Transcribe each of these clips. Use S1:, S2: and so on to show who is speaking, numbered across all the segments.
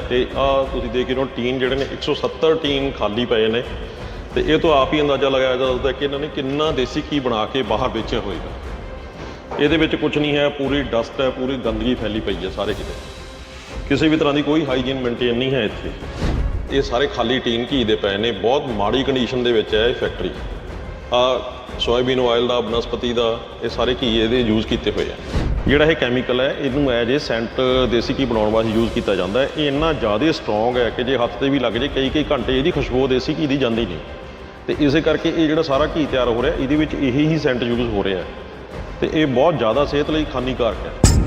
S1: ਤੇ ਆ ਤੁਸੀਂ ਦੇਖ ਰਹੇ ਹੋ ਟੀਨ ਜਿਹੜੇ ਨੇ 170 ਟੀਨ ਖਾਲੀ ਪਏ ਨੇ ਤੇ ਇਹ ਤੋਂ ਆਪ ਹੀ ਅੰਦਾਜ਼ਾ ਲਗਾਇਆ ਜਾ ਸਕਦਾ ਕਿ ਇਹਨਾਂ ਨੇ ਕਿੰਨਾ ਦੇਸੀ ਘੀ ਬਣਾ ਕੇ ਬਾਹਰ ਵੇਚਿਆ ਹੋਏਗਾ। ਇਹਦੇ ਵਿੱਚ ਕੁਝ ਨਹੀਂ ਹੈ, ਪੂਰੀ ਡਸਟ ਹੈ, ਪੂਰੀ ਗੰਦਗੀ ਫੈਲੀ ਪਈ ਹੈ ਸਾਰੇ ਕਿਤੇ। ਕਿਸੇ ਵੀ ਤਰ੍ਹਾਂ ਦੀ ਕੋਈ ਹਾਈਜੀਨ ਮੇਨਟੇਨ ਨਹੀਂ ਹੈ ਇੱਥੇ। ਇਹ ਸਾਰੇ ਖਾਲੀ ਟੀਨ ਘੀ ਦੇ ਪਏ ਨੇ, ਬਹੁਤ ਮਾੜੀ ਕੰਡੀਸ਼ਨ ਦੇ ਵਿੱਚ ਹੈ ਇਹ ਫੈਕਟਰੀ। ਆ ਸੋਇਆਬੀਨ ਆਇਲ ਦਾ, ਬਨਸਪਤੀ ਦਾ, ਇਹ ਸਾਰੇ ਘੀ ਇਹਦੇ ਯੂਜ਼ ਕੀਤੇ ਹੋਏ ਆ। ਜਿਹੜਾ ਇਹ ਕੈਮੀਕਲ ਹੈ ਇਹਨੂੰ ਐਜ ਇਹ ਸੈਂਟ ਦੇਸੀ ਘੀ ਬਣਾਉਣ ਵਾਸਤੇ ਯੂਜ਼ ਕੀਤਾ ਜਾਂਦਾ ਹੈ। ਇਹ ਇੰਨਾ ਜ਼ਿਆਦਾ ਸਟਰੋਂਗ ਹੈ ਕਿ ਜੇ ਹੱਥ 'ਤੇ ਵੀ ਲੱਗ ਜੇ ਕਈ ਘੰਟੇ ਇਹਦੀ ਖੁਸ਼ਬੂ ਦੇਸੀ ਘੀ ਦੀ ਜਾਂਦੀ ਨਹੀਂ। ਤੇ ਇਸੇ ਕਰਕੇ ਇਹ ਜਿਹੜਾ ਸਾਰਾ ਘੀ ਤਿਆਰ ਹੋ ਰਿਹਾ ਇਹਦੇ ਵਿੱਚ ਇਹੀ ਹੀ ਸੈਂਟ ਯੂਜ਼ ਹੋ ਰਿਹਾ ਤੇ ਇਹ ਬਹੁਤ ਜ਼ਿਆਦਾ ਸਿਹਤ ਲਈ ਹਾਨੀਕਾਰਕ ਹੈ।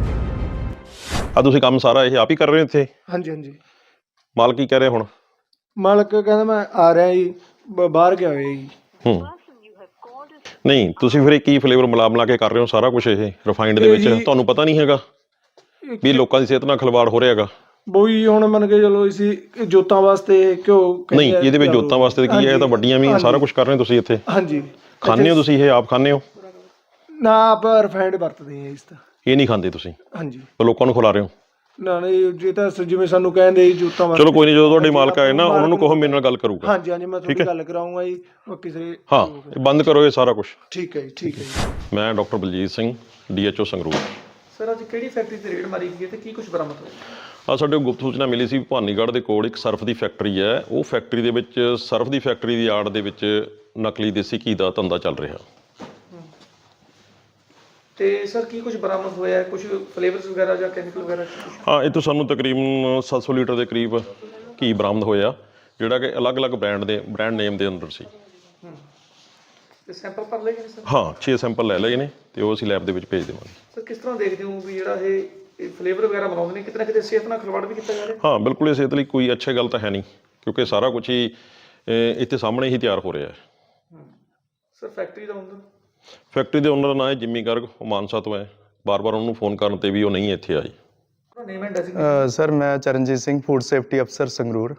S1: ਆ ਤੁਸੀਂ ਕੰਮ ਸਾਰਾ ਇਹ ਆਪ ਹੀ ਕਰ ਰਹੇ ਹੋ ਇੱਥੇ?
S2: ਹਾਂਜੀ ਹਾਂਜੀ।
S1: ਮਾਲਕ ਕੀ ਕਹਿ ਰਿਹਾ ਹੁਣ?
S2: ਮਾਲਕ ਕਹਿੰਦਾ ਮੈਂ ਆ ਰਿਹਾ ਜੀ, ਬਾਹਰ ਗਿਆ ਹੋਇਆ ਜੀ।
S1: ਨਹੀਂ, ਤੁਸੀਂ ਫਿਰ ਇਹ ਕੀ ਫਲੇਵਰ ਮਿਲਾ ਕੇ ਕਰ ਰਹੇ ਹੋ ਸਾਰਾ ਕੁਝ ਇਹ ਰਿਫਾਈਨਡ ਦੇ ਵਿੱਚ? ਤੁਹਾਨੂੰ ਪਤਾ ਨਹੀਂ ਹੈਗਾ ਵੀ ਲੋਕਾਂ ਦੀ ਸਿਹਤ ਨਾਲ ਖਿਲਵਾੜ ਹੋ ਰਿਹਾ ਹੈਗਾ?
S2: ਬੋਈ ਹੁਣ ਮੰਨ ਕੇ ਚਲੋ ਅਸੀਂ ਜੋਤਾਂ ਵਾਸਤੇ ਕਿਉਂ
S1: ਨਹੀਂ, ਇਹਦੇ ਵਿੱਚ ਜੋਤਾਂ ਵਾਸਤੇ ਕੀ ਹੈ? ਇਹ ਤਾਂ ਵੱਡੀਆਂ ਵੀ ਸਾਰਾ ਕੁਝ ਕਰ ਰਹੇ ਹੋ ਤੁਸੀਂ ਇੱਥੇ।
S2: ਹਾਂਜੀ।
S1: ਖਾਂਦੇ ਹੋ ਤੁਸੀਂ ਇਹ? ਆਪ ਖਾਂਦੇ ਹੋ?
S2: ਨਾ, ਆਪ ਰਿਫਾਈਨਡ ਵਰਤਦੇ ਆ ਇਸ ਤਾਂ।
S1: ਇਹ ਨਹੀਂ ਖਾਂਦੇ ਤੁਸੀਂ?
S2: ਹਾਂਜੀ।
S1: ਲੋਕਾਂ ਨੂੰ ਖਿਲਾ ਰਹੇ ਹੋ?
S2: ਨਾ ਨਹੀਂ, ਜੇ ਤਾਂ ਜਿਵੇਂ ਸਾਨੂੰ ਕਹਿੰਦੇ ਜੋਤਾਂ ਵਾਸਤੇ।
S1: ਚਲੋ ਕੋਈ ਨਹੀਂ, ਜਦੋਂ ਤੁਹਾਡੇ ਮਾਲਕ ਆਏ ਨਾ ਉਹਨਾਂ ਨੂੰ ਕਹੋ ਮੇਰੇ ਨਾਲ ਗੱਲ ਕਰੂਗਾ।
S2: ਹਾਂਜੀ ਹਾਂਜੀ, ਮੈਂ ਤੁਹਾਡੀ ਗੱਲ ਕਰਾਉਂਗਾ ਜੀ। ਕਿਸੇ
S1: ਹਾਂ, ਬੰਦ ਕਰੋ ਇਹ ਸਾਰਾ ਕੁਝ।
S2: ਠੀਕ ਹੈ ਜੀ, ਠੀਕ ਹੈ ਜੀ।
S1: ਮੈਂ doctor Baljit Singh, DHO Sangrur.
S2: Sir ਅੱਜ ਕਿਹੜੀ ਫੈਕਟਰੀ ਤੇ ਰੇਡ ਮਾਰੀ ਗਈ ਤੇ ਕੀ ਕੁਝ ਬਰਾਮਦ ਹੋਇਆ?
S1: ਸਾਡੇ ਗੁਪਤ ਸੂਚਨਾ ਮਿਲੀ ਸੀ ਭਵਾਨੀਗੜ੍ਹ ਦੇ ਕੋਲ ਇੱਕ ਸਰਫ ਦੀ ਫੈਕਟਰੀ ਹੈ। ਉਹ ਫੈਕਟਰੀ ਦੇ ਵਿੱਚ ਸਰਫ ਦੀ ਫੈਕਟਰੀ ਦੀ ਆੜ ਦੇ ਵਿੱਚ ਨਕਲੀ ਦੇਸੀ ਘੀ ਦਾ ਧੰਦਾ ਚੱਲ ਰਿਹਾ।
S2: ਤੇ ਸਰ ਕੀ ਕੁਝ ਬਰਾਮਦ ਹੋਇਆ? ਕੁਝ ਫਲੇਵਰਸ ਵਗੈਰਾ ਜਾਂ ਕੈਮੀਕਲ ਵਗੈਰਾ?
S1: ਹਾਂ, ਇਹ ਤੋਂ ਸਾਨੂੰ ਤਕਰੀਬਨ 700 ਲੀਟਰ ਦੇ ਕਰੀਬ ਘੀ ਬਰਾਮਦ ਹੋਇਆ, ਜਿਹੜਾ ਕਿ ਅਲੱਗ-ਅਲੱਗ ਬ੍ਰਾਂਡ ਨੇਮ ਦੇ ਅੰਦਰ ਸੀ।
S2: ਤੇ ਸੈਂਪਲ ਭਰ ਲਏ ਗਏ ਸਰ?
S1: ਹਾਂ, 6 ਸੈਂਪਲ ਲੈ ਲਏ ਨੇ ਤੇ ਉਹ ਅਸੀਂ ਲੈਬ ਦੇ ਵਿੱਚ ਭੇਜ ਦੇਵਾਂਗੇ।
S2: ਸਰ ਕਿਸ ਤਰ੍ਹਾਂ ਦੇਖਦੇ ਹੋ ਵੀ ਜਿਹੜਾ ਇਹ ਫਲੇਵਰ ਵਗੈਰਾ ਬਣਾਉਂਦੇ ਨੇ, ਕਿਤੇ ਨਾ ਕਿਤੇ ਸਿਹਤ ਨਾਲ ਖਿਲਵਾੜ ਵੀ ਕੀਤਾ ਜਾ ਰਿਹਾ?
S1: ਹਾਂ, ਬਿਲਕੁਲ ਇਹ ਸਿਹਤ ਲਈ ਕੋਈ ਅੱਛੀ ਗੱਲ ਤਾਂ ਹੈ ਨਹੀਂ, ਕਿਉਂਕਿ ਸਾਰਾ ਕੁਝ ਹੀ ਇੱਥੇ ਸਾਹਮਣੇ ਹੀ ਤਿਆਰ ਹੋ ਰਿਹਾ ਹੈ।
S2: ਸਰ ਫੈਕਟਰੀ ਦਾ ਓਨਰ?
S1: ਫੈਕਟਰੀ ਦੇ ਓਨਰ ਦਾ ਨਾਂ ਹੈ ਜਿੰਮੀ ਗਰਗ, ਉਹ ਮਾਨਸਾ ਤੋਂ ਹੈ। ਬਾਰ-ਬਾਰ ਉਹਨੂੰ ਫੋਨ ਕਰਨ ਤੇ ਵੀ ਉਹ ਨਹੀਂ ਇੱਥੇ ਆਈ।
S2: Name and designation?
S3: ਸਰ ਮੈਂ ਚਰਨਜੀਤ ਸਿੰਘ, ਫੂਡ ਸੇਫਟੀ ਅਫਸਰ ਸੰਗਰੂਰ।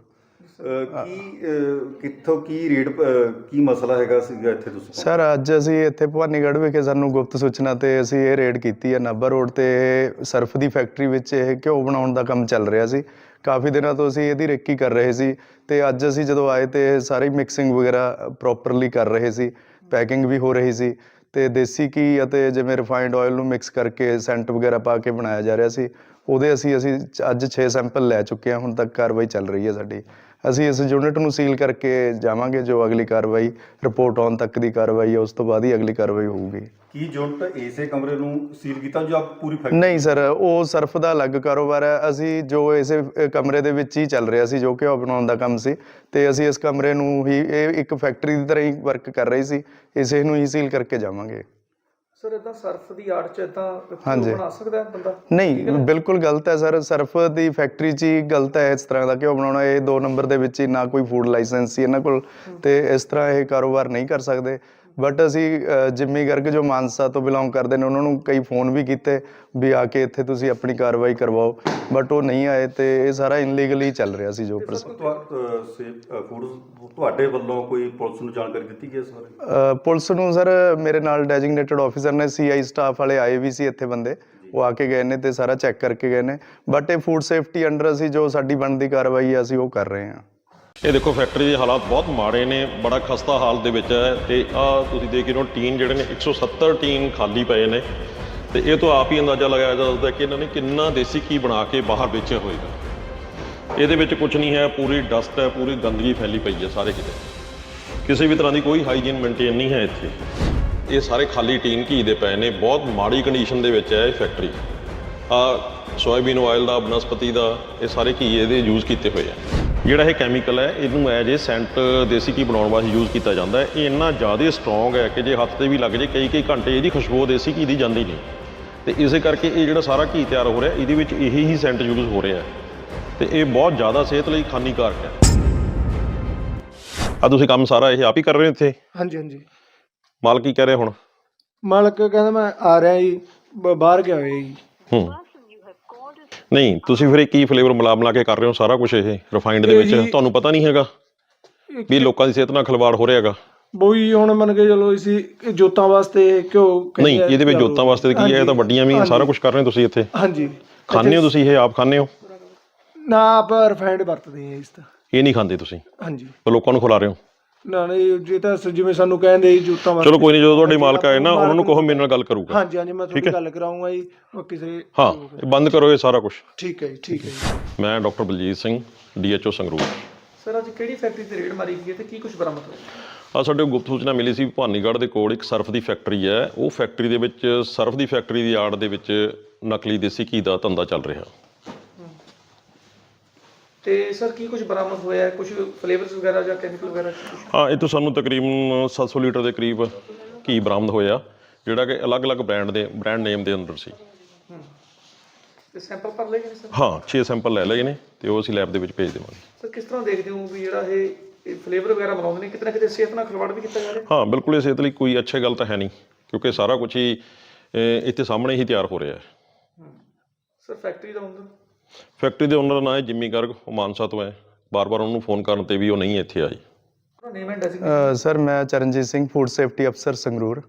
S4: ਕਿੱਥੋਂ ਕੀ ਰੇਟ ਕੀ ਮਸਲਾ ਹੈਗਾ ਸੀਗਾ ਇੱਥੇ ਤੁਸੀਂ?
S3: ਸਰ ਅੱਜ ਅਸੀਂ ਇੱਥੇ ਭਵਾਨੀਗੜ੍ਹ ਵਿਖੇ ਸਾਨੂੰ ਗੁਪਤ ਸੂਚਨਾ ਤੇ ਅਸੀਂ ਇਹ ਰੇਡ ਕੀਤੀ ਹੈ। ਨਾਭਾ ਰੋਡ ਤੇ ਸਰਫ ਦੀ ਫੈਕਟਰੀ ਵਿੱਚ ਇਹ ਘਿਓ ਬਣਾਉਣ ਦਾ ਕੰਮ ਚੱਲ ਰਿਹਾ ਸੀ। ਕਾਫੀ ਦਿਨਾਂ ਤੋਂ ਅਸੀਂ ਇਹਦੀ ਰੇਕੀ ਕਰ ਰਹੇ ਸੀ ਤੇ ਅੱਜ ਅਸੀਂ ਜਦੋਂ ਆਏ ਤੇ ਸਾਰੀ ਮਿਕਸਿੰਗ ਵਗੈਰਾ ਪ੍ਰੋਪਰਲੀ ਕਰ ਰਹੇ ਸੀ, ਪੈਕਿੰਗ ਵੀ ਹੋ ਰਹੀ ਸੀ ਤੇ ਦੇਸੀ ਘੀ ਅਤੇ ਜਿਵੇਂ ਰਿਫਾਈਨਡ ਆਇਲ ਨੂੰ ਮਿਕਸ ਕਰਕੇ ਸੈਂਟ ਵਗੈਰਾ ਪਾ ਕੇ ਬਣਾਇਆ ਜਾ ਰਿਹਾ ਸੀ। ਉਹਦੇ ਅਸੀਂ ਅੱਜ 6 ਸੈਂਪਲ ਲੈ ਚੁੱਕੇ ਹਾਂ। ਹੁਣ ਤੱਕ ਕਾਰਵਾਈ ਚੱਲ ਰਹੀ ਹੈ ਸਾਡੀ। ਅਸੀਂ ਇਸ ਯੂਨਿਟ ਨੂੰ ਸੀਲ ਕਰਕੇ ਜਾਵਾਂਗੇ। ਜੋ ਅਗਲੀ ਕਾਰਵਾਈ ਰਿਪੋਰਟ ਆਉਣ ਤੱਕ ਦੀ ਕਾਰਵਾਈ ਹੈ, ਉਸ ਤੋਂ ਬਾਅਦ ਹੀ ਅਗਲੀ ਕਾਰਵਾਈ ਹੋਊਗੀ।
S4: ਕੀ ਯੂਨਿਟ ਇਸੇ ਕਮਰੇ ਨੂੰ ਸੀਲ ਕੀਤਾ ਜੋ ਆਪ ਪੂਰੀ ਫੈਕਟਰੀ?
S3: ਨਹੀਂ ਸਰ, ਉਹ ਸਰਫ ਦਾ ਅਲੱਗ ਕਾਰੋਬਾਰ ਹੈ। ਅਸੀਂ ਜੋ ਇਸੇ ਕਮਰੇ ਦੇ ਵਿੱਚ ਹੀ ਚੱਲ ਰਿਹਾ ਸੀ, ਜੋ ਘਿਓ ਬਣਾਉਣ ਦਾ ਕੰਮ ਸੀ, ਤੇ ਅਸੀਂ ਇਸ ਕਮਰੇ ਨੂੰ ਹੀ ਇਹ ਇੱਕ ਫੈਕਟਰੀ ਦੀ ਤਰ੍ਹਾਂ ਹੀ ਵਰਕ ਕਰ ਰਹੀ ਸੀ, ਇਸੇ ਨੂੰ ਹੀ ਸੀਲ ਕਰਕੇ ਜਾਵਾਂਗੇ।
S2: ਸਰ ਇਦਾਂ ਸਰਫ ਦੀ ਆੜ 'ਚ ਇਦਾਂ ਬਣਾ ਸਕਦਾ ਬੰਦਾ?
S3: ਨਹੀਂ, ਬਿਲਕੁਲ ਗਲਤ ਹੈ ਸਰ। ਸਰਫ ਦੀ ਫੈਕਟਰੀ 'ਚ ਹੀ ਗਲਤ ਹੈ ਇਸ ਤਰ੍ਹਾਂ ਦਾ ਘਿਓ ਬਣਾਉਣਾ। ਇਹ 2 ਨੰਬਰ ਦੇ ਵਿੱਚ ਹੀ ਨਾ ਕੋਈ ਫੂਡ ਲਾਇਸੈਂਸ ਸੀ ਇਹਨਾਂ ਕੋਲ, ਤੇ ਇਸ ਤਰ੍ਹਾਂ ਇਹ ਕਾਰੋਬਾਰ ਨਹੀਂ ਕਰ ਸਕਦੇ। ਬਟ ਅਸੀਂ ਜਿੰਮੀ ਗਰਗ ਜੋ ਮਾਨਸਾ ਤੋਂ ਬਿਲੋਂਗ ਕਰਦੇ ਨੇ ਉਹਨਾਂ ਨੂੰ ਕਈ ਫੋਨ ਵੀ ਕੀਤੇ ਵੀ ਆ ਕੇ ਇੱਥੇ ਤੁਸੀਂ ਆਪਣੀ ਕਾਰਵਾਈ ਕਰਵਾਓ, ਬਟ ਉਹ ਨਹੀਂ ਆਏ ਤੇ ਇਹ ਸਾਰਾ ਇਨਲੀਗਲੀ ਚੱਲ ਰਿਹਾ ਸੀ। ਜੋ
S4: ਫੂਡ ਤੁਹਾਡੇ ਵੱਲੋਂ ਕੋਈ ਪੁਲਿਸ ਨੂੰ ਜਾਣਕਾਰੀ ਦਿੱਤੀ ਗਈ ਇਸ ਬਾਰੇ?
S3: ਪੁਲਿਸ ਨੂੰ ਸਰ ਮੇਰੇ ਨਾਲ ਡੈਜ਼ਿਗਨੇਟਡ ਆਫੀਸਰ ਨੇ, CI ਸਟਾਫ ਵਾਲੇ ਆਏ ਵੀ ਸੀ ਇੱਥੇ ਬੰਦੇ, ਉਹ ਆ ਕੇ ਗਏ ਨੇ ਤੇ ਸਾਰਾ ਚੈੱਕ ਕਰਕੇ ਗਏ ਨੇ। ਬਟ ਇਹ ਫੂਡ ਸੇਫਟੀ ਅੰਡਰ ਅਸੀਂ ਜੋ ਸਾਡੀ ਬਣਦੀ ਕਾਰਵਾਈ ਹੈ ਅਸੀਂ ਉਹ ਕਰ ਰਹੇ ਹਾਂ।
S1: ਇਹ ਦੇਖੋ ਫੈਕਟਰੀ ਦੇ ਹਾਲਾਤ ਬਹੁਤ ਮਾੜੇ ਨੇ, ਬੜਾ ਖਸਤਾ ਹਾਲਤ ਦੇ ਵਿੱਚ ਹੈ। ਤੇ ਆ ਤੁਸੀਂ ਦੇਖ ਰਹੇ ਹੋ ਟੀਨ ਜਿਹੜੇ ਨੇ 170 ਟੀਨ ਖਾਲੀ ਪਏ ਨੇ ਤੇ ਇਹ ਤੋਂ ਆਪ ਹੀ ਅੰਦਾਜ਼ਾ ਲਗਾਇਆ ਜਾ ਸਕਦਾ ਕਿ ਇਹਨਾਂ ਨੇ ਕਿੰਨਾ ਦੇਸੀ ਘੀ ਬਣਾ ਕੇ ਬਾਹਰ ਵੇਚਿਆ ਹੋਏਗਾ। ਇਹਦੇ ਵਿੱਚ ਕੁਝ ਨਹੀਂ ਹੈ, ਪੂਰੀ ਡਸਟ ਹੈ, ਪੂਰੀ ਗੰਦਗੀ ਫੈਲੀ ਪਈ ਹੈ ਸਾਰੇ ਕਿਤੇ। ਕਿਸੇ ਵੀ ਤਰ੍ਹਾਂ ਦੀ ਕੋਈ ਹਾਈਜੀਨ ਮੇਨਟੇਨ ਨਹੀਂ ਹੈ ਇੱਥੇ। ਇਹ ਸਾਰੇ ਖਾਲੀ ਟੀਨ ਘੀ ਦੇ ਪਏ ਨੇ, ਬਹੁਤ ਮਾੜੀ ਕੰਡੀਸ਼ਨ ਦੇ ਵਿੱਚ ਹੈ ਇਹ ਫੈਕਟਰੀ। ਆ ਸੋਇਆਬੀਨ ਆਇਲ ਦਾ, ਬਨਸਪਤੀ ਦਾ, ਇਹ ਸਾਰੇ ਘੀ ਇਹਦੇ ਯੂਜ਼ ਕੀਤੇ ਹੋਏ ਆ। ਜਿਹੜਾ ਇਹ ਕੈਮੀਕਲ ਹੈ ਇਹਨੂੰ ਐਜ ਇਹ ਸੈਂਟ ਦੇਸੀ ਘੀ ਬਣਾਉਣ ਵਾਸਤੇ ਯੂਜ਼ ਕੀਤਾ ਜਾਂਦਾ ਹੈ। ਇਹ ਇੰਨਾ ਜ਼ਿਆਦਾ ਸਟਰੋਂਗ ਹੈ ਕਿ ਜੇ ਹੱਥ 'ਤੇ ਵੀ ਲੱਗ ਜੇ ਕਈ ਘੰਟੇ ਇਹਦੀ ਖੁਸ਼ਬੂ ਦੇਸੀ ਘੀ ਦੀ ਜਾਂਦੀ ਨਹੀਂ। ਤੇ ਇਸੇ ਕਰਕੇ ਇਹ ਜਿਹੜਾ ਸਾਰਾ ਘੀ ਤਿਆਰ ਹੋ ਰਿਹਾ ਇਹਦੇ ਵਿੱਚ ਇਹੀ ਹੀ ਸੈਂਟ ਯੂਜ਼ ਹੋ ਰਿਹਾ ਤੇ ਇਹ ਬਹੁਤ ਜ਼ਿਆਦਾ ਸਿਹਤ ਲਈ ਹਾਨੀਕਾਰਕ ਹੈ। ਆ ਤੁਸੀਂ ਕੰਮ ਸਾਰਾ ਇਹ ਆਪ ਹੀ ਕਰ ਰਹੇ ਹੋ ਇੱਥੇ?
S2: ਹਾਂਜੀ ਹਾਂਜੀ।
S1: ਮਾਲਕ ਕੀ ਕਹਿ ਰਿਹਾ ਹੁਣ?
S2: ਮਾਲਕ ਕਹਿੰਦਾ ਮੈਂ ਆ ਰਿਹਾ ਜੀ, ਬਾਹਰ ਗਿਆ ਹੋਇਆ ਜੀ।
S1: ਨਹੀਂ, ਤੁਸੀਂ ਫਿਰ ਇਹ ਕੀ ਫਲੇਵਰ ਮਿਲਾ ਕੇ ਕਰ ਰਹੇ ਹੋ ਸਾਰਾ ਕੁਝ ਇਹ ਰਿਫਾਈਨਡ ਦੇ ਵਿੱਚ? ਤੁਹਾਨੂੰ ਪਤਾ ਨਹੀਂ ਹੈਗਾ ਵੀ ਲੋਕਾਂ ਦੀ ਸਿਹਤ ਨਾਲ ਖਿਲਵਾੜ ਹੋ ਰਿਹਾ ਹੈਗਾ?
S2: ਬੋਈ ਹੁਣ ਮੰਨ ਕੇ ਚਲੋ ਅਸੀਂ ਜੋਤਾਂ ਵਾਸਤੇ ਕਿਉਂ?
S1: ਨਹੀਂ, ਇਹਦੇ ਵਿੱਚ ਜੋਤਾਂ ਵਾਸਤੇ ਕੀ ਹੈ? ਇਹ ਤਾਂ ਵੱਡੀਆਂ ਵੀ ਸਾਰਾ ਕੁਝ ਕਰ ਰਹੇ ਹੋ ਤੁਸੀਂ ਇੱਥੇ।
S2: ਹਾਂਜੀ।
S1: ਖਾਂਦੇ ਹੋ ਤੁਸੀਂ ਇਹ? ਆਪ ਖਾਂਦੇ ਹੋ?
S5: ਨਾ ਆਪਾਂ ਰਿਫਾਈਨਡ ਵਰਤਦੇ ਹਾਂ ਇਸ ਤਾਂ।
S1: ਇਹ ਨਹੀਂ ਖਾਂਦੇ ਤੁਸੀਂ
S5: ਹਾਂਜੀ।
S1: ਪਰ ਲੋਕਾਂ ਨੂੰ ਖਿਲਾ ਰਹੇ ਹੋ।
S5: ਨਾ ਨਹੀਂ, ਜੇ ਤਾਂ ਜਿਵੇਂ ਸਾਨੂੰ ਕਹਿੰਦੇ ਜੀ ਜੂਤਾਂ
S1: ਚਲੋ ਕੋਈ ਨਹੀਂ, ਜਦੋਂ ਤੁਹਾਡੇ ਮਾਲਕ ਆਏ ਨਾ ਉਹਨਾਂ ਨੂੰ ਕਹੋ ਮੇਰੇ ਨਾਲ ਗੱਲ ਕਰੂਗਾ।
S5: ਹਾਂਜੀ ਹਾਂਜੀ, ਮੈਂ ਤੁਹਾਡੀ ਗੱਲ ਕਰਾਉਂਗਾ ਜੀ। ਕਿਸੇ
S1: ਹਾਂ, ਇਹ ਬੰਦ ਕਰੋ ਇਹ ਸਾਰਾ ਕੁਝ।
S5: ਠੀਕ ਹੈ ਜੀ, ਠੀਕ ਹੈ ਜੀ।
S1: ਮੈਂ doctor Baljit Singh, DHO Sangrur.
S2: Sir ਅੱਜ ਕਿਹੜੀ ਫੈਕਟਰੀ ਤੇ ਰੇਡ ਮਾਰੀ ਗਈ ਹੈ ਤੇ ਕੀ ਕੁਝ ਬਰਾਮਦ ਹੋਇਆ?
S1: ਆ ਸਾਡੇ ਕੋਲ ਗੁਪਤ ਸੂਚਨਾ ਮਿਲੀ ਸੀ, ਭਵਾਨੀਗੜ੍ਹ ਦੇ ਕੋਲ ਇੱਕ ਸਰਫ ਦੀ ਫੈਕਟਰੀ ਹੈ। ਉਹ ਫੈਕਟਰੀ ਦੇ ਵਿੱਚ ਸਰਫ ਦੀ ਫੈਕਟਰੀ ਦੀ ਆੜ ਦੇ ਵਿੱਚ ਨਕਲੀ ਦੇਸੀ ਘੀ ਦਾ ਧੰਦਾ ਚੱਲ ਰਿਹਾ।
S2: ਤੇ ਸਰ ਕੀ ਕੁਝ ਬਰਾਮਦ ਹੋਇਆ? ਕੁਝ ਫਲੇਵਰਸ ਵਗੈਰਾ ਜਾਂ ਕੈਮੀਕਲ ਵਗੈਰਾ ਕੁਛ?
S1: ਹਾਂ, ਇਹ ਤੋਂ ਸਾਨੂੰ ਤਕਰੀਬਨ 700 ਲੀਟਰ ਦੇ ਕਰੀਬ ਘੀ ਬਰਾਮਦ ਹੋਇਆ, ਜਿਹੜਾ ਕਿ ਅਲੱਗ-ਅਲੱਗ ਬ੍ਰਾਂਡ ਨੇਮ ਦੇ ਅੰਦਰ ਸੀ।
S2: ਤੇ ਸੈਂਪਲ ਭਰ ਲਏ ਗਏ ਸਰ?
S1: ਹਾਂ, 6 ਸੈਂਪਲ ਲੈ ਲਏ ਨੇ ਤੇ ਉਹ ਅਸੀਂ ਲੈਬ ਦੇ ਵਿੱਚ ਭੇਜ ਦੇਵਾਂਗੇ।
S2: ਸਰ ਕਿਸ ਤਰ੍ਹਾਂ ਦੇਖਦੇ ਹੋ ਵੀ ਜਿਹੜਾ ਇਹ ਫਲੇਵਰ ਵਗੈਰਾ ਬਣਾਉਂਦੇ ਨੇ, ਕਿਤੇ ਨਾ ਕਿਤੇ ਸਿਹਤ ਨਾਲ ਖਿਲਵਾੜ ਵੀ ਕੀਤਾ ਜਾ ਰਿਹਾ?
S1: ਹਾਂ, ਬਿਲਕੁਲ ਇਹ ਸਿਹਤ ਲਈ ਕੋਈ ਅੱਛੀ ਗੱਲ ਤਾਂ ਹੈ ਨਹੀਂ, ਕਿਉਂਕਿ ਸਾਰਾ ਕੁਝ ਹੀ ਇੱਥੇ ਸਾਹਮਣੇ ਹੀ ਤਿਆਰ ਹੋ ਰਿਹਾ ਹੈ।
S2: ਸਰ ਫੈਕਟਰੀ ਦਾ ਓਨਰ?
S1: ਫੈਕਟਰੀ ਦੇ ਓਨਰ ਦਾ ਨਾਂ ਹੈ ਜਿੰਮੀ ਗਰਗ, ਉਹ ਮਾਨਸਾ ਤੋਂ ਹੈ। ਬਾਰ-ਬਾਰ ਉਹਨੂੰ ਫੋਨ ਕਰਨ ਤੇ ਵੀ ਉਹ ਨਹੀਂ ਇੱਥੇ ਆਈ।
S2: ਉਹਦਾ ਨੇਮ ਐਂਡ ਡੈਜ਼ਿਗਨੇਸ਼ਨ?
S3: ਸਰ ਮੈਂ ਚਰਨਜੀਤ ਸਿੰਘ, ਫੂਡ ਸੇਫਟੀ ਅਫਸਰ ਸੰਗਰੂਰ।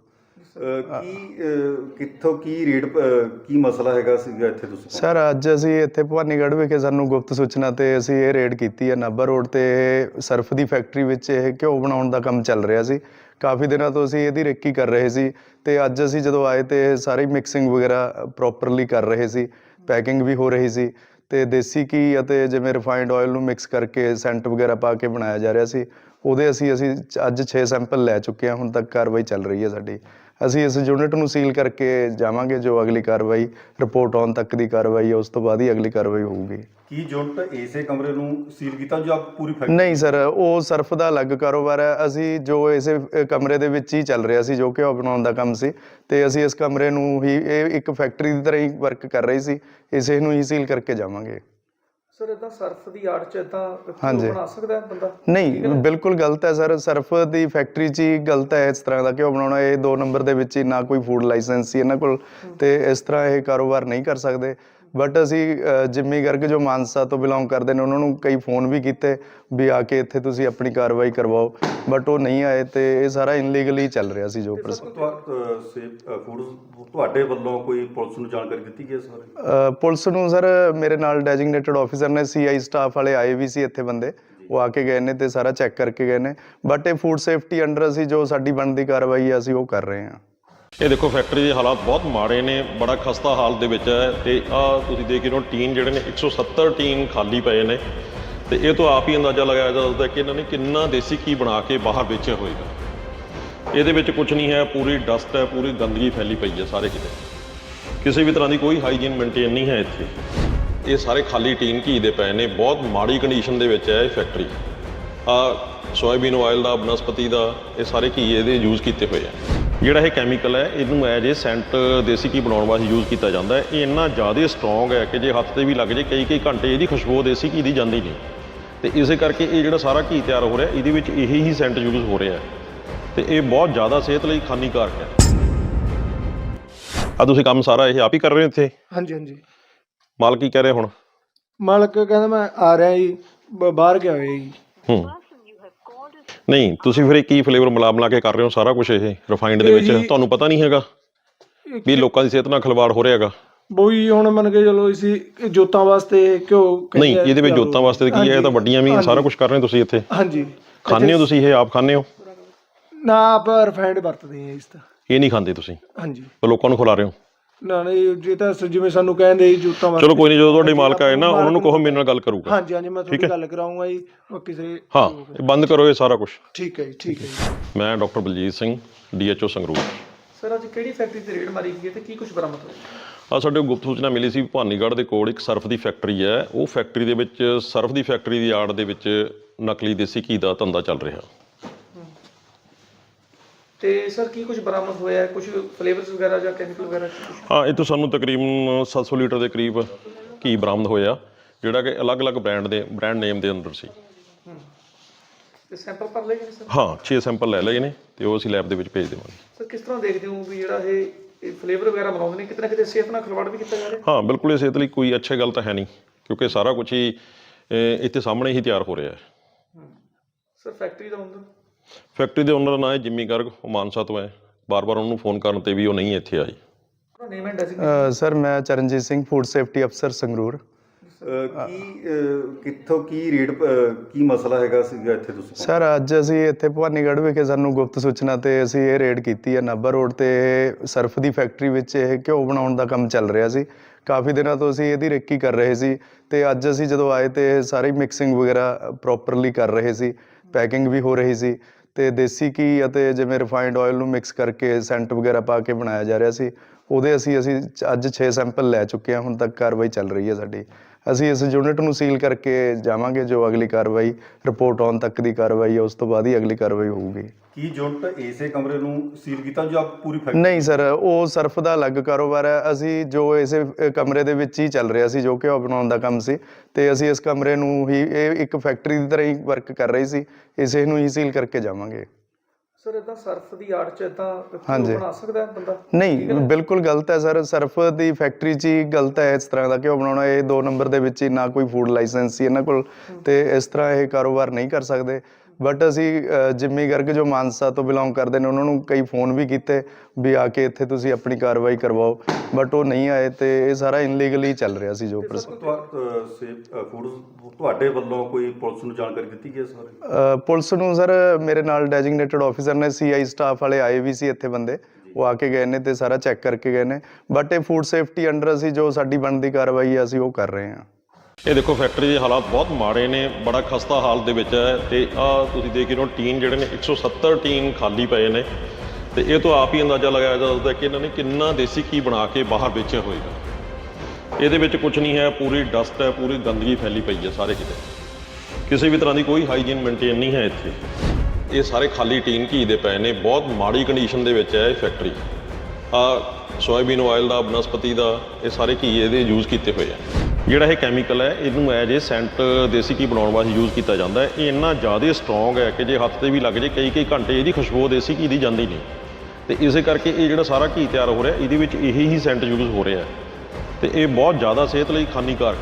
S4: ਕਿੱਥੋਂ ਕੀ ਰੇਟ ਕੀ ਮਸਲਾ ਹੈਗਾ ਸੀਗਾ ਇੱਥੇ ਤੁਸੀਂ?
S3: ਸਰ ਅੱਜ ਅਸੀਂ ਇੱਥੇ ਭਵਾਨੀਗੜ੍ਹ ਵਿਖੇ ਸਾਨੂੰ ਗੁਪਤ ਸੂਚਨਾ ਤੇ ਅਸੀਂ ਇਹ ਰੇਡ ਕੀਤੀ ਹੈ। ਨਾਭਾ ਰੋਡ ਤੇ ਸਰਫ ਦੀ ਫੈਕਟਰੀ ਵਿੱਚ ਇਹ ਘਿਓ ਬਣਾਉਣ ਦਾ ਕੰਮ ਚੱਲ ਰਿਹਾ ਸੀ। ਕਾਫੀ ਦਿਨਾਂ ਤੋਂ ਅਸੀਂ ਇਹਦੀ ਰੇਕੀ ਕਰ ਰਹੇ ਸੀ ਤੇ ਅੱਜ ਅਸੀਂ ਜਦੋਂ ਆਏ ਤੇ ਸਾਰੀ ਮਿਕਸਿੰਗ ਵਗੈਰਾ ਪ੍ਰੋਪਰਲੀ ਕਰ ਰਹੇ ਸੀ, ਪੈਕਿੰਗ ਵੀ ਹੋ ਰਹੀ ਸੀ ਤੇ ਦੇਸੀ ਘੀ ਅਤੇ ਜਿਵੇਂ ਰਿਫਾਈਨਡ ਆਇਲ ਨੂੰ ਮਿਕਸ ਕਰਕੇ ਸੈਂਟ ਵਗੈਰਾ ਪਾ ਕੇ ਬਣਾਇਆ ਜਾ ਰਿਹਾ ਸੀ। ਉਹਦੇ ਅਸੀਂ ਅੱਜ 6 ਸੈਂਪਲ ਲੈ ਚੁੱਕੇ ਹਾਂ। ਹੁਣ ਤੱਕ ਕਾਰਵਾਈ ਚੱਲ ਰਹੀ ਹੈ ਸਾਡੀ। ਅਸੀਂ ਇਸ ਯੂਨਿਟ ਨੂੰ ਸੀਲ ਕਰਕੇ ਜਾਵਾਂਗੇ। ਜੋ ਅਗਲੀ ਕਾਰਵਾਈ ਰਿਪੋਰਟ ਆਉਣ ਤੱਕ ਦੀ ਕਾਰਵਾਈ ਹੈ, ਉਸ ਤੋਂ ਬਾਅਦ ਹੀ ਅਗਲੀ ਕਾਰਵਾਈ ਹੋਊਗੀ।
S4: ਕੀ ਯੂਨਿਟ ਇਸੇ ਕਮਰੇ ਨੂੰ ਸੀਲ ਕੀਤਾ ਜਾਂ ਪੂਰੀ ਫੈਕਟਰੀ?
S3: ਨਹੀਂ ਸਰ, ਉਹ ਸਰਫ ਦਾ ਅਲੱਗ ਕਾਰੋਬਾਰ ਹੈ। ਅਸੀਂ ਜੋ ਇਸੇ ਕਮਰੇ ਦੇ ਵਿੱਚ ਹੀ ਚੱਲ ਰਿਹਾ ਸੀ, ਜੋ ਘਿਓ ਬਣਾਉਣ ਦਾ ਕੰਮ ਸੀ, ਤੇ ਅਸੀਂ ਇਸ ਕਮਰੇ ਨੂੰ ਹੀ ਇਹ ਇੱਕ ਫੈਕਟਰੀ ਦੀ ਤਰ੍ਹਾਂ ਹੀ ਵਰਕ ਕਰ ਰਹੀ ਸੀ, ਇਸੇ ਨੂੰ ਹੀ ਸੀਲ ਕਰਕੇ ਜਾਵਾਂਗੇ।
S2: ਸਰ ਇਦਾਂ ਸਰਫ ਦੀ ਆੜ ਚ ਇਦਾਂ
S3: ਹਾਂਜੀ।
S2: ਬਣਾ ਸਕਦਾ ਹੈ ਬੰਦਾ?
S3: ਨਹੀਂ, ਬਿਲਕੁਲ ਗਲਤ ਹੈ ਸਰ। ਸਰਫ ਦੀ ਫੈਕਟਰੀ 'ਚ ਹੀ ਗਲਤ ਹੈ ਇਸ ਤਰ੍ਹਾਂ ਦਾ ਘਿਓ ਬਣਾਉਣਾ। ਇਹ 2 ਨੰਬਰ ਦੇ ਵਿੱਚ ਹੀ ਨਾ ਕੋਈ ਫੂਡ ਲਾਇਸੈਂਸ ਸੀ ਇਹਨਾਂ ਕੋਲ, ਤੇ ਇਸ ਤਰ੍ਹਾਂ ਇਹ ਕਾਰੋਬਾਰ ਨਹੀਂ ਕਰ ਸਕਦੇ। ਬਟ ਅਸੀਂ ਜਿੰਮੀ ਗਰਗ ਜੋ ਮਾਨਸਾ ਤੋਂ ਬਿਲੋਂਗ ਕਰਦੇ ਨੇ, ਉਹਨਾਂ ਨੂੰ ਕਈ ਫੋਨ ਵੀ ਕੀਤੇ ਵੀ ਆ ਕੇ ਇੱਥੇ ਤੁਸੀਂ ਆਪਣੀ ਕਾਰਵਾਈ ਕਰਵਾਓ, ਬਟ ਉਹ ਨਹੀਂ ਆਏ ਤੇ ਇਹ ਸਾਰਾ ਇਨਲੀਗਲੀ ਚੱਲ ਰਿਹਾ ਸੀ। ਜੋ
S4: ਫੂਡ ਤੁਹਾਡੇ ਵੱਲੋਂ ਕੋਈ ਪੁਲਿਸ ਨੂੰ ਜਾਣਕਾਰੀ ਦਿੱਤੀ ਗਈ ਇਸ ਬਾਰੇ?
S3: ਪੁਲਿਸ ਨੂੰ ਸਰ ਮੇਰੇ ਨਾਲ ਡੈਜਿਗਨੇਟਡ ਆਫੀਸਰ ਨੇ, CI ਸਟਾਫ ਵਾਲੇ ਆਏ ਵੀ ਸੀ ਇੱਥੇ ਬੰਦੇ, ਉਹ ਆ ਕੇ ਗਏ ਨੇ ਤੇ ਸਾਰਾ ਚੈੱਕ ਕਰਕੇ ਗਏ ਨੇ। ਬਟ ਇਹ ਫੂਡ ਸੇਫਟੀ ਅੰਡਰ ਅਸੀਂ ਜੋ ਸਾਡੀ ਬਣਦੀ ਕਾਰਵਾਈ ਹੈ ਅਸੀਂ ਉਹ ਕਰ ਰਹੇ ਹਾਂ।
S1: ਇਹ ਦੇਖੋ ਫੈਕਟਰੀ ਦੇ ਹਾਲਾਤ ਬਹੁਤ ਮਾੜੇ ਨੇ, ਬੜਾ ਖਸਤਾ ਹਾਲ ਦੇ ਵਿੱਚ ਹੈ। ਤੇ ਆਹ ਤੁਸੀਂ ਦੇਖ ਰਹੇ ਹੋ ਟੀਨ ਜਿਹੜੇ ਨੇ 170 ਟੀਨ ਖਾਲੀ ਪਏ ਨੇ, ਤੇ ਇਹ ਤੋਂ ਆਪ ਹੀ ਅੰਦਾਜ਼ਾ ਲਗਾਇਆ ਜਾ ਸਕਦਾ ਕਿ ਇਹਨਾਂ ਨੇ ਕਿੰਨਾ ਦੇਸੀ ਘੀ ਬਣਾ ਕੇ ਬਾਹਰ ਵੇਚਿਆ ਹੋਏਗਾ। ਇਹਦੇ ਵਿੱਚ ਕੁਝ ਨਹੀਂ ਹੈ, ਪੂਰੀ ਡਸਟ ਹੈ, ਪੂਰੀ ਗੰਦਗੀ ਫੈਲੀ ਪਈ ਹੈ ਸਾਰੇ ਕਿਤੇ। ਕਿਸੇ ਵੀ ਤਰ੍ਹਾਂ ਦੀ ਕੋਈ ਹਾਈਜੀਨ ਮੇਨਟੇਨ ਨਹੀਂ ਹੈ ਇੱਥੇ। ਇਹ ਸਾਰੇ ਖਾਲੀ ਟੀਨ ਘੀ ਦੇ ਪਏ ਨੇ, ਬਹੁਤ ਮਾੜੀ ਕੰਡੀਸ਼ਨ ਦੇ ਵਿੱਚ ਹੈ ਇਹ ਫੈਕਟਰੀ। ਸੋਇਆਬੀਨ ਆਇਲ ਦਾ, ਬਨਸਪਤੀ ਦਾ, ਇਹ ਸਾਰੇ ਘੀ ਇਹਦੇ ਯੂਜ਼ ਕੀਤੇ ਹੋਏ ਆ। ਜਿਹੜਾ ਇਹ ਕੈਮੀਕਲ ਹੈ ਇਹਨੂੰ ਐਜ ਇਹ ਸੈਂਟ ਦੇਸੀ ਘੀ ਬਣਾਉਣ ਵਾਸਤੇ ਯੂਜ਼ ਕੀਤਾ ਜਾਂਦਾ ਹੈ। ਇਹ ਇੰਨਾ ਜ਼ਿਆਦਾ ਸਟਰੋਂਗ ਹੈ ਕਿ ਜੇ ਹੱਥ 'ਤੇ ਵੀ ਲੱਗ ਜੇ ਕਈ ਘੰਟੇ ਇਹਦੀ ਖੁਸ਼ਬੂ ਦੇਸੀ ਘੀ ਦੀ ਜਾਂਦੀ ਨਹੀਂ। ਤੇ ਇਸੇ ਕਰਕੇ ਇਹ ਜਿਹੜਾ ਸਾਰਾ ਘੀ ਤਿਆਰ ਹੋ ਰਿਹਾ ਇਹਦੇ ਵਿੱਚ ਇਹੀ ਹੀ ਸੈਂਟ ਯੂਜ਼ ਹੋ ਰਿਹਾ ਤੇ ਇਹ ਬਹੁਤ ਜ਼ਿਆਦਾ ਸਿਹਤ ਲਈ ਹਾਨੀਕਾਰਕ ਹੈ। ਆ ਤੁਸੀਂ ਕੰਮ ਸਾਰਾ ਇਹ ਆਪ ਹੀ ਕਰ ਰਹੇ ਹੋ ਇੱਥੇ?
S5: ਹਾਂਜੀ ਹਾਂਜੀ।
S1: ਮਾਲਕ ਕੀ ਕਹਿ ਰਿਹਾ ਹੁਣ?
S5: ਮਾਲਕ ਕਹਿੰਦਾ ਮੈਂ ਆ ਰਿਹਾ ਜੀ, ਬਾਹਰ ਗਿਆ ਹੋਇਆ ਜੀ।
S1: ਨਹੀਂ, ਤੁਸੀਂ ਫਿਰ ਇਹ ਕੀ ਫਲੇਵਰ ਮਿਲਾ ਕੇ ਕਰ ਰਹੇ ਹੋ ਸਾਰਾ ਕੁਝ ਇਹ ਰਿਫਾਈਨਡ ਦੇ ਵਿੱਚ? ਤੁਹਾਨੂੰ ਪਤਾ ਨਹੀਂ ਹੈਗਾ ਵੀ ਲੋਕਾਂ ਦੀ ਸਿਹਤ ਨਾਲ ਖਿਲਵਾੜ ਹੋ ਰਿਹਾ ਹੈਗਾ?
S5: ਬੋਈ ਹੁਣ ਮੰਨ ਕੇ ਚਲੋ ਅਸੀਂ ਜੋਤਾਂ ਵਾਸਤੇ ਕਿਉਂ?
S1: ਨਹੀਂ, ਇਹਦੇ ਵਿੱਚ ਜੋਤਾਂ ਵਾਸਤੇ ਕੀ ਹੈ? ਇਹ ਤਾਂ ਵੱਡੀਆਂ ਵੀ ਸਾਰਾ ਕੁਝ ਕਰ ਰਹੇ ਹੋ ਤੁਸੀਂ ਇੱਥੇ।
S5: ਹਾਂਜੀ।
S1: ਖਾਂਦੇ ਹੋ ਤੁਸੀਂ ਇਹ? ਆਪ ਖਾਂਦੇ ਹੋ?
S5: ਨਾ, ਆਪਾਂ ਰਿਫਾਈਨਡ ਵਰਤਦੇ ਹਾਂ ਇਸ ਤਾਂ।
S1: ਇਹ ਨਹੀਂ ਖਾਂਦੇ ਤੁਸੀਂ?
S5: ਹਾਂਜੀ।
S1: ਪਰ ਲੋਕਾਂ ਨੂੰ ਖਿਲਾ ਰਹੇ ਹੋ?
S5: ਨਾ ਨਹੀਂ, ਜੇ ਤਾਂ ਜਿਵੇਂ ਸਾਨੂੰ ਕਹਿੰਦੇ ਜੀ ਜੋਤਾਂ ਵਾਸਤੇ।
S1: ਚਲੋ ਕੋਈ ਨਹੀਂ, ਜਦੋਂ ਤੁਹਾਡੇ ਮਾਲਕ ਆਏ ਨਾ ਉਹਨਾਂ ਨੂੰ ਕਹੋ ਮੇਰੇ ਨਾਲ ਗੱਲ ਕਰੂਗਾ।
S5: ਹਾਂਜੀ ਹਾਂਜੀ, ਮੈਂ ਤੁਹਾਡੀ ਗੱਲ ਕਰਾਉਂਗਾ ਜੀ। ਕਿਸੇ
S1: ਹਾਂ, ਇਹ ਬੰਦ ਕਰੋ ਇਹ ਸਾਰਾ ਕੁਝ।
S5: ਠੀਕ ਹੈ ਜੀ, ਠੀਕ ਹੈ ਜੀ।
S1: ਮੈਂ doctor Baljit Singh, DHO Sangrur.
S2: Sir ਅੱਜ ਕਿਹੜੀ ਫੈਕਟਰੀ ਤੇ ਰੇਡ ਮਾਰੀ ਗਈ ਹੈ ਤੇ ਕੀ ਕੁਝ ਬਰਾਮਦ ਹੋਇਆ?
S1: ਆ ਸਾਡੇ ਕੋਲ ਗੁਪਤ ਸੂਚਨਾ ਮਿਲੀ ਸੀ, ਭਵਾਨੀਗੜ੍ਹ ਦੇ ਕੋਲ ਇੱਕ ਸਰਫ ਦੀ ਫੈਕਟਰੀ ਹੈ। ਉਹ ਫੈਕਟਰੀ ਦੇ ਵਿੱਚ ਸਰਫ ਦੀ ਫੈਕਟਰੀ ਦੀ ਆੜ ਦੇ ਵਿੱਚ ਨਕਲੀ ਦੇਸੀ ਘੀ ਦਾ ਧੰਦਾ ਚੱਲ ਰਿਹਾ।
S2: ਤੇ ਸਰ ਕੀ ਕੁਝ ਬਰਾਮਦ ਹੋਇਆ? ਕੁਝ ਫਲੇਵਰਸ ਵਗੈਰਾ ਜਾਂ ਕੈਮੀਕਲ ਵਗੈਰਾ ਕੁਛ?
S1: ਹਾਂ, ਇਹ ਤੋਂ ਸਾਨੂੰ ਤਕਰੀਬਨ 700 ਲੀਟਰ ਦੇ ਕਰੀਬ ਘੀ ਬਰਾਮਦ ਹੋਇਆ, ਜਿਹੜਾ ਕਿ ਅਲੱਗ-ਅਲੱਗ ਬ੍ਰਾਂਡ ਨੇਮ ਦੇ ਅੰਦਰ ਸੀ।
S2: ਤੇ ਸੈਂਪਲ ਭਰ ਲਏ ਗਏ ਸਰ?
S1: ਹਾਂ, 6 ਸੈਂਪਲ ਲੈ ਲਏ ਨੇ ਤੇ ਉਹ ਅਸੀਂ ਲੈਬ ਦੇ ਵਿੱਚ ਭੇਜ ਦੇਵਾਂਗੇ।
S2: ਸਰ ਕਿਸ ਤਰ੍ਹਾਂ ਦੇਖਦੇ ਹੋ ਵੀ ਜਿਹੜਾ ਇਹ ਫਲੇਵਰ ਵਗੈਰਾ ਬਣਾਉਂਦੇ ਨੇ, ਕਿਤੇ ਨਾ ਕਿਤੇ ਸਿਹਤ ਨਾਲ ਖਿਲਵਾੜ ਵੀ ਕੀਤਾ ਜਾ ਰਿਹਾ?
S1: ਹਾਂ, ਬਿਲਕੁਲ ਇਹ ਸਿਹਤ ਲਈ ਕੋਈ ਅੱਛੀ ਗੱਲ ਤਾਂ ਹੈ ਨਹੀਂ, ਕਿਉਂਕਿ ਸਾਰਾ ਕੁਝ ਹੀ ਇੱਥੇ ਸਾਹਮਣੇ ਹੀ ਤਿਆਰ ਹੋ ਰਿਹਾ ਹੈ।
S2: ਸਰ ਫੈਕਟਰੀ ਦਾ ਓਨਰ?
S1: ਫੈਕਟਰੀ ਦੇ ਓਨਰ ਦਾ ਨਾਂ ਹੈ ਜਿੰਮੀ ਗਰਗ, ਉਹ ਮਾਨਸਾ ਤੋਂ ਹੈ। ਬਾਰ-ਬਾਰ ਉਹਨੂੰ ਫੋਨ ਕਰਨ ਤੇ ਵੀ ਉਹ ਨਹੀਂ ਇੱਥੇ ਆਈ।
S2: ਉਹਦਾ ਨੇਮ ਐਂਡ ਡੈਜ਼ਿਗਨੇਸ਼ਨ?
S3: ਸਰ ਮੈਂ ਚਰਨਜੀਤ ਸਿੰਘ, ਫੂਡ ਸੇਫਟੀ ਅਫਸਰ ਸੰਗਰੂਰ।
S4: ਕਿੱਥੋਂ ਕੀ ਰੇਟ ਕੀ ਮਸਲਾ ਹੈਗਾ ਸੀਗਾ ਇੱਥੇ ਤੁਸੀਂ
S3: ਸਰ ਅੱਜ ਅਸੀਂ ਇੱਥੇ ਭਵਾਨੀਗੜ੍ਹ ਵਿਖੇ ਸਾਨੂੰ ਗੁਪਤ ਸੂਚਨਾ ਤੇ ਅਸੀਂ ਇਹ ਰੇਡ ਕੀਤੀ ਹੈ ਨਾਭਾ ਰੋਡ ਤੇ ਸਰਫ ਦੀ ਫੈਕਟਰੀ ਵਿੱਚ ਇਹ ਘਿਓ ਬਣਾਉਣ ਦਾ ਕੰਮ ਚੱਲ ਰਿਹਾ ਸੀ। ਕਾਫੀ ਦਿਨਾਂ ਤੋਂ ਅਸੀਂ ਇਹਦੀ ਰੇਕੀ ਕਰ ਰਹੇ ਸੀ ਤੇ ਅੱਜ ਅਸੀਂ ਜਦੋਂ ਆਏ ਤੇ ਸਾਰੀ ਮਿਕਸਿੰਗ ਵਗੈਰਾ ਪ੍ਰੋਪਰਲੀ ਕਰ ਰਹੇ ਸੀ, ਪੈਕਿੰਗ ਵੀ ਹੋ ਰਹੀ ਸੀ ਤੇ ਦੇਸੀ ਘੀ ਅਤੇ ਜਿਵੇਂ ਰਿਫਾਈਨਡ ਆਇਲ ਨੂੰ ਮਿਕਸ ਕਰਕੇ ਸੈਂਟ ਵਗੈਰਾ ਪਾ ਕੇ ਬਣਾਇਆ ਜਾ ਰਿਹਾ ਸੀ। ਉਹਦੇ ਅਸੀਂ ਅੱਜ 6 ਸੈਂਪਲ ਲੈ ਚੁੱਕੇ ਹਾਂ। ਹੁਣ ਤੱਕ ਕਾਰਵਾਈ ਚੱਲ ਰਹੀ ਹੈ ਸਾਡੀ। ਅਸੀਂ ਇਸ ਯੂਨਿਟ ਨੂੰ ਸੀਲ ਕਰਕੇ ਜਾਵਾਂਗੇ। ਜੋ ਅਗਲੀ ਕਾਰਵਾਈ ਰਿਪੋਰਟ ਆਉਣ ਤੱਕ ਦੀ ਕਾਰਵਾਈ ਹੈ, ਉਸ ਤੋਂ ਬਾਅਦ ਹੀ ਅਗਲੀ ਕਾਰਵਾਈ ਹੋਊਗੀ।
S4: ਕੀ ਯੂਨਿਟ ਇਸੇ ਕਮਰੇ ਨੂੰ ਸੀਲ ਕੀਤਾ ਜਾਂ ਪੂਰੀ ਫੈਕਟਰੀ?
S3: ਨਹੀਂ ਸਰ, ਉਹ ਸਰਫ ਦਾ ਅਲੱਗ ਕਾਰੋਬਾਰ ਹੈ। ਅਸੀਂ ਜੋ ਇਸੇ ਕਮਰੇ ਦੇ ਵਿੱਚ ਹੀ ਚੱਲ ਰਿਹਾ ਸੀ, ਜੋ ਘਿਓ ਬਣਾਉਣ ਦਾ ਕੰਮ ਸੀ, ਤੇ ਅਸੀਂ ਇਸ ਕਮਰੇ ਨੂੰ ਹੀ ਇਹ ਇੱਕ ਫੈਕਟਰੀ ਦੀ ਤਰ੍ਹਾਂ ਹੀ ਵਰਕ ਕਰ ਰਹੀ ਸੀ, ਇਸੇ ਨੂੰ ਹੀ ਸੀਲ ਕਰਕੇ ਜਾਵਾਂਗੇ।
S2: ਸਰ ਇਦਾਂ ਸਰਫ ਦੀ ਆੜ 'ਚ ਇਦਾਂ
S3: ਹਾਂਜੀ।
S2: ਬਣਾ ਸਕਦਾ ਬੰਦਾ?
S3: ਨਹੀਂ, ਬਿਲਕੁਲ ਗਲਤ ਹੈ ਸਰ। ਸਰਫ ਦੀ ਫੈਕਟਰੀ 'ਚ ਹੀ ਗਲਤ ਹੈ ਇਸ ਤਰ੍ਹਾਂ ਦਾ ਘਿਓ ਬਣਾਉਣਾ। ਇਹ 2 ਨੰਬਰ ਦੇ ਵਿੱਚ ਹੀ ਨਾ ਕੋਈ ਫੂਡ ਲਾਇਸੈਂਸ ਸੀ ਇਹਨਾਂ ਕੋਲ, ਤੇ ਇਸ ਤਰ੍ਹਾਂ ਇਹ ਕਾਰੋਬਾਰ ਨਹੀਂ ਕਰ ਸਕਦੇ। ਬਟ ਅਸੀਂ ਜਿੰਮੀ ਗਰਗ ਜੋ ਮਾਨਸਾ ਤੋਂ ਬਿਲੋਂਗ ਕਰਦੇ ਨੇ ਉਹਨਾਂ ਨੂੰ ਕਈ ਫੋਨ ਵੀ ਕੀਤੇ ਵੀ ਆ ਕੇ ਇੱਥੇ ਤੁਸੀਂ ਆਪਣੀ ਕਾਰਵਾਈ ਕਰਵਾਓ, ਬਟ ਉਹ ਨਹੀਂ ਆਏ ਤੇ ਇਹ ਸਾਰਾ ਇਨਲੀਗਲੀ ਚੱਲ ਰਿਹਾ ਸੀ। ਜੋ
S4: ਫੂਡਸ ਤੁਹਾਡੇ ਵੱਲੋਂ ਕੋਈ ਪੁਲਿਸ ਨੂੰ ਜਾਣਕਾਰੀ ਦਿੱਤੀ ਗਈ ਸਰ?
S3: ਪੁਲਿਸ ਨੂੰ ਸਰ ਮੇਰੇ ਨਾਲ ਡੈਜ਼ਿਗਨੇਟਡ ਆਫੀਸਰ ਨੇ, CI ਸਟਾਫ ਵਾਲੇ ਆਏ ਵੀ ਸੀ ਇੱਥੇ ਬੰਦੇ, ਉਹ ਆ ਕੇ ਗਏ ਨੇ ਤੇ ਸਾਰਾ ਚੈੱਕ ਕਰਕੇ ਗਏ ਨੇ। ਬਟ ਇਹ ਫੂਡ ਸੇਫਟੀ ਅੰਡਰ ਅਸੀਂ ਜੋ ਸਾਡੀ ਬਣਦੀ ਕਾਰਵਾਈ ਹੈ ਅਸੀਂ ਉਹ ਕਰ ਰਹੇ ਹਾਂ।
S1: ਇਹ ਦੇਖੋ ਫੈਕਟਰੀ ਦੇ ਹਾਲਾਤ ਬਹੁਤ ਮਾੜੇ ਨੇ, ਬੜਾ ਖਸਤਾ ਹਾਲਤ ਦੇ ਵਿੱਚ ਹੈ ਤੇ ਆਹ ਤੁਸੀਂ ਦੇਖ ਰਹੇ ਹੋ ਟੀਨ ਜਿਹੜੇ ਨੇ 170 ਟੀਨ ਖਾਲੀ ਪਏ ਨੇ ਤੇ ਇਹ ਤੋਂ ਆਪ ਹੀ ਅੰਦਾਜ਼ਾ ਲਗਾਇਆ ਜਾ ਸਕਦਾ ਕਿ ਇਹਨਾਂ ਨੇ ਕਿੰਨਾ ਦੇਸੀ ਘੀ ਬਣਾ ਕੇ ਬਾਹਰ ਵੇਚਿਆ ਹੋਏਗਾ। ਇਹਦੇ ਵਿੱਚ ਕੁਝ ਨਹੀਂ ਹੈ, ਪੂਰੀ ਡਸਟ ਹੈ, ਪੂਰੀ ਗੰਦਗੀ ਫੈਲੀ ਪਈ ਹੈ ਸਾਰੇ ਕਿਤੇ। ਕਿਸੇ ਵੀ ਤਰ੍ਹਾਂ ਦੀ ਕੋਈ ਹਾਈਜੀਨ ਮੇਨਟੇਨ ਨਹੀਂ ਹੈ ਇੱਥੇ। ਇਹ ਸਾਰੇ ਖਾਲੀ ਟੀਨ ਘੀ ਦੇ ਪਏ ਨੇ, ਬਹੁਤ ਮਾੜੀ ਕੰਡੀਸ਼ਨ ਦੇ ਵਿੱਚ ਹੈ ਇਹ ਫੈਕਟਰੀ। ਸੋਇਆਬੀਨ ਆਇਲ ਦਾ, ਬਨਸਪਤੀ ਦਾ, ਇਹ ਸਾਰੇ ਘੀ ਇਹਦੇ ਯੂਜ਼ ਕੀਤੇ ਹੋਏ ਆ। ਜਿਹੜਾ ਇਹ ਕੈਮੀਕਲ ਹੈ ਇਹਨੂੰ ਐਜ ਏ ਸੈਂਟ ਦੇਸੀ ਘੀ ਬਣਾਉਣ ਵਾਸਤੇ ਯੂਜ਼ ਕੀਤਾ ਜਾਂਦਾ ਹੈ। ਇਹ ਇੰਨਾ ਜ਼ਿਆਦਾ ਸਟਰੋਂਗ ਹੈ ਕਿ ਜੇ ਹੱਥ 'ਤੇ ਵੀ ਲੱਗ ਜੇ ਕਈ ਘੰਟੇ ਇਹਦੀ ਖੁਸ਼ਬੂ ਦੇਸੀ ਘੀ ਦੀ ਜਾਂਦੀ ਨਹੀਂ, ਤੇ ਇਸੇ ਕਰਕੇ ਇਹ ਜਿਹੜਾ ਸਾਰਾ ਘੀ ਤਿਆਰ ਹੋ ਰਿਹਾ ਇਹਦੇ ਵਿੱਚ ਇਹੀ ਹੀ ਸੈਂਟ ਯੂਜ਼ ਹੋ ਰਿਹਾ ਤੇ ਇਹ ਬਹੁਤ ਜ਼ਿਆਦਾ ਸਿਹਤ ਲਈ ਹਾਨੀਕਾਰਕ